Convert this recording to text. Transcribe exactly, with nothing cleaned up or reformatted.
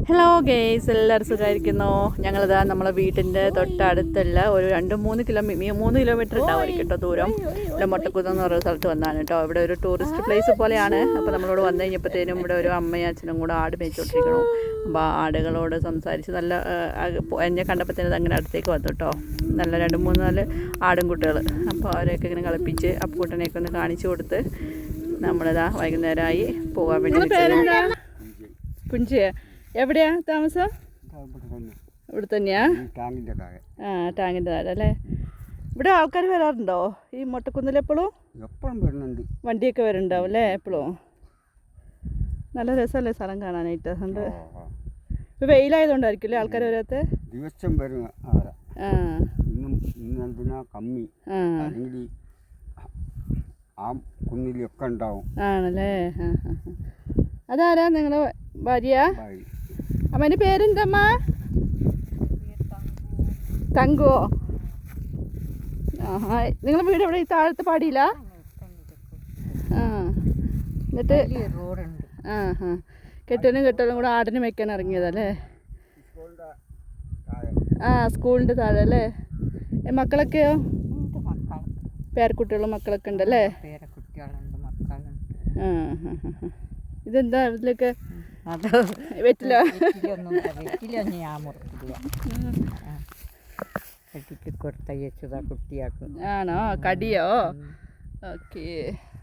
Hello guys, എല്ലാവരും സുഖമായിരിക്കുന്നു. ഞങ്ങളിതാ നമ്മളെ വീട്ടിൻ്റെ തൊട്ടടുത്തുള്ള ഒരു രണ്ട് മൂന്ന് കിലോ മൂന്ന് കിലോമീറ്റർ ഉണ്ടാവും കേട്ടോ ദൂരം. ഇവിടെ മൊട്ടക്കുന്ന് എന്ന് പറയുന്ന സ്ഥലത്ത് വന്നാണ് കേട്ടോ. ഇവിടെ ഒരു ടൂറിസ്റ്റ് പ്ലേസ് പോലെയാണ്. അപ്പോൾ നമ്മളോട് വന്നു കഴിഞ്ഞപ്പോഴത്തേനും ഇവിടെ ഒരു അമ്മയും അച്ഛനും കൂടെ ആട് മേയിച്ചോണ്ടിരിക്കണു. അപ്പോൾ ആടുകളോട് സംസാരിച്ച് നല്ല എന്നെ കണ്ടപ്പോഴത്തേനും അങ്ങനെ അടുത്തേക്ക് വന്നു കേട്ടോ. നല്ല രണ്ട് മൂന്ന് നാല് ആടും കുട്ടികൾ. അപ്പോൾ അവരെയൊക്കെ ഇങ്ങനെ കളിപ്പിച്ച് അപ്പൂട്ടനെയൊക്കെ ഒന്ന് കാണിച്ചു കൊടുത്ത് നമ്മളിതാ വൈകുന്നേരമായി പോകാൻ വേണ്ടി. പുഞ്ചിയ എവിടെയാ താമസം? ഇവിടെ തന്നെയാ? ആ, ടാങ്കിൻ്റെ താഴെ അല്ലേ. ഇവിടെ ആൾക്കാർ വരാറുണ്ടോ ഈ മൊട്ടക്കുന്നിൽ? എപ്പോഴും എപ്പോഴും വരുന്നുണ്ട്, വണ്ടിയൊക്കെ വരുന്നുണ്ടാവും അല്ലേ എപ്പോഴും. നല്ല രസമല്ലേ സ്ഥലം കാണാനായിട്ട്. അതുകൊണ്ട് ഇപ്പോൾ വെയിലായതുകൊണ്ടായിരിക്കും അല്ലേ ആൾക്കാർ വരാത്ത? ദിവസം വരും. ആ, ഇന്നെന്തിനാ കമ്മി, അല്ലെങ്കിൽ ആ കുന്നിലൊക്കെ ഉണ്ടാവും. ആണല്ലേ. ആ ആ. അതാരാ നിങ്ങളെ ഭാര്യ? അമ്മേൻ്റെ പേരെന്തമ്മ? തങ്കോ. ആ, നിങ്ങളെ വീട് എവിടെ? ഈ താഴത്തെ പാടിയില്ല? ആ, എന്നിട്ട് ആ ആ കെട്ടനും കെട്ടലും കൂടെ ആടിന് വെക്കാൻ ഇറങ്ങിയതല്ലേ? ആ, സ്കൂളിൻ്റെ താഴെ അല്ലേ. മക്കളൊക്കെയോ? പേരക്കുട്ടികളും മക്കളൊക്കെ ഉണ്ടല്ലേ? ആ ആ ആ. ഇതെന്താ ഇതിലൊക്കെ വെറ്റില? കൊടുത്തയച്ചതാ കുട്ടിയാക്കും. ആണോ? കടിയോ? ഓക്കേ.